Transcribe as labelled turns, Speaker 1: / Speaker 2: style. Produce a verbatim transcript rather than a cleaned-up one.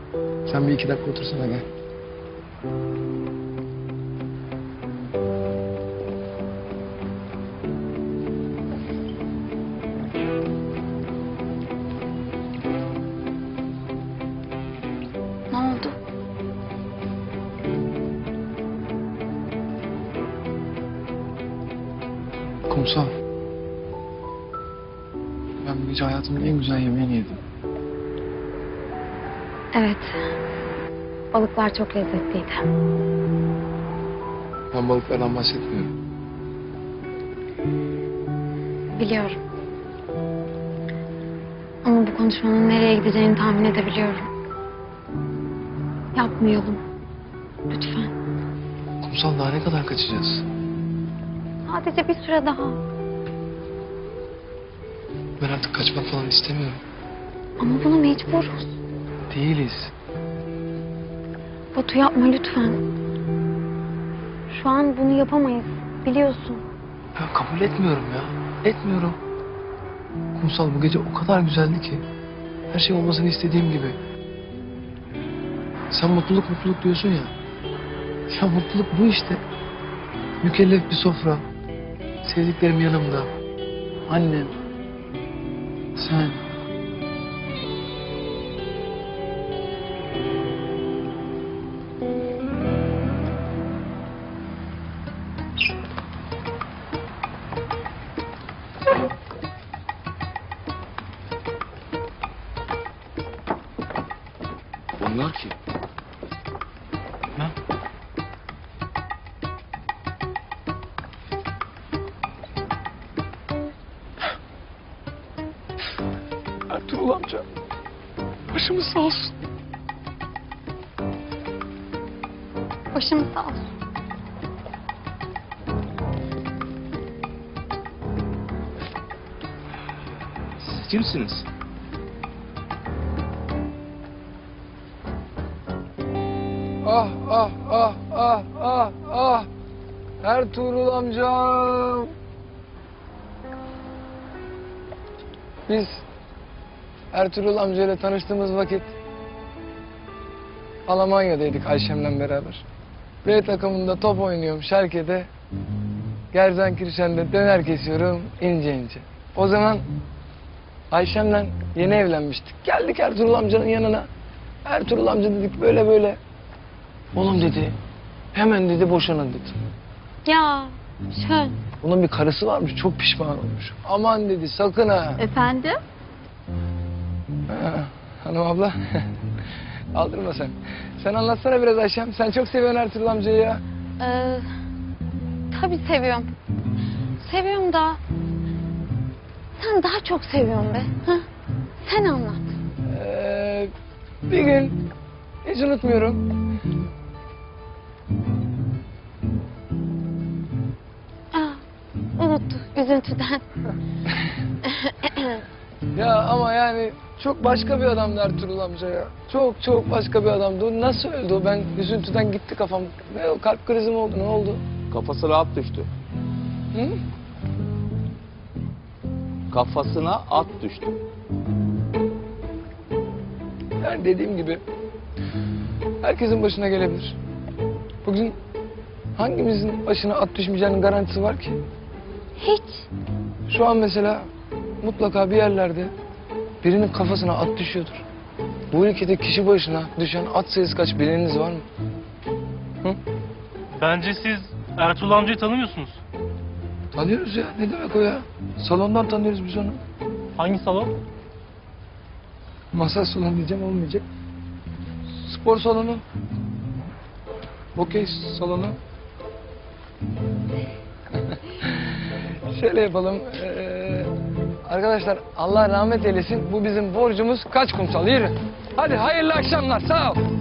Speaker 1: Sen bir iki dakika otursana gel.
Speaker 2: Ne oldu?
Speaker 1: Kumsal. Ben bu gece hayatımın en güzel yemeğini yedim.
Speaker 2: Evet. Balıklar çok lezzetliydi.
Speaker 1: Ben balıklardan bahsetmiyorum.
Speaker 2: Biliyorum. Ama bu konuşmanın nereye gideceğini tahmin edebiliyorum. Yapmayalım. Lütfen.
Speaker 1: Kumsal daha ne kadar kaçacağız?
Speaker 2: Sadece bir süre daha.
Speaker 1: Ben artık kaçmak falan istemiyorum.
Speaker 2: Ama buna mecburuz.
Speaker 1: Değiliz.
Speaker 2: Batu yapma lütfen. Şu an bunu yapamayız. Biliyorsun.
Speaker 1: Ben kabul etmiyorum ya. Etmiyorum. Kumsal bu gece o kadar güzeldi ki. Her şey olmasını istediğim gibi. Sen mutluluk mutluluk diyorsun ya. Ya mutluluk bu işte. Mükellef bir sofra. Sevdiklerim yanımda. Annem. Sen. Bunlar ki. Ha? Ertuğrul amca. Başımız sağ olsun.
Speaker 2: Başımız sağ olsun.
Speaker 1: Siz kimsiniz? Ah ah ah ah ah ah. Ertuğrul amcam. Biz Ertuğrul amcayla tanıştığımız vakit Almanya'daydık Ayşem'le beraber. B takımında top oynuyorum Schalke'de. Gerzenkirchen'de döner kesiyorum ince ince. O zaman Ayşem'le yeni evlenmiştik. Geldik Ertuğrul amcanın yanına. Ertuğrul amca dedik böyle böyle. Oğlum dedi, hemen dedi boşanın dedi.
Speaker 2: Ya Şön.
Speaker 1: Bunun bir karısı varmış, çok pişman olmuş. Aman dedi, sakın ha.
Speaker 2: Efendim?
Speaker 1: Ha, hanım abla, aldırma sen. Sen anlatsana biraz Ayşem. Sen çok seviyorsun Ertuğrul amcayı ya.
Speaker 2: Ee, tabii seviyorum. Seviyorum da sen daha çok seviyorsun be. Hı? Sen anlat.
Speaker 1: Ee, bir gün, hiç unutmuyorum.
Speaker 2: Aa, unuttu üzüntüden.
Speaker 1: Ya ama yani çok başka bir adamdı Ertuğrul amca ya. Çok çok başka bir adamdı. O nasıl öldü o? Ben üzüntüden gitti kafam. Ne o, kalp krizi mi oldu, ne oldu?
Speaker 3: Kafasına at düştü.
Speaker 1: Hı?
Speaker 3: Kafasına at düştü.
Speaker 1: Yani dediğim gibi herkesin başına gelebilir. Bugün hangimizin başına at düşmeyeceğinin garantisi var ki?
Speaker 2: Hiç.
Speaker 1: Şu an mesela mutlaka bir yerlerde birinin kafasına at düşüyordur. Bu ülkede kişi başına düşen at sayısı kaç, bileniniz var mı? Hı?
Speaker 4: Bence siz Ertuğrul amcayı tanımıyorsunuz.
Speaker 1: Tanıyoruz ya. Ne demek o ya? Salondan tanıyoruz biz onu.
Speaker 4: Hangi salon?
Speaker 1: Masaj salonu diyeceğim, olmayacak. Spor salonu. Okey salonu. Şöyle yapalım. Ee, arkadaşlar Allah rahmet eylesin. Bu bizim borcumuz. Kaç kumsal? Yürü. Hadi hayırlı akşamlar. Sağ ol.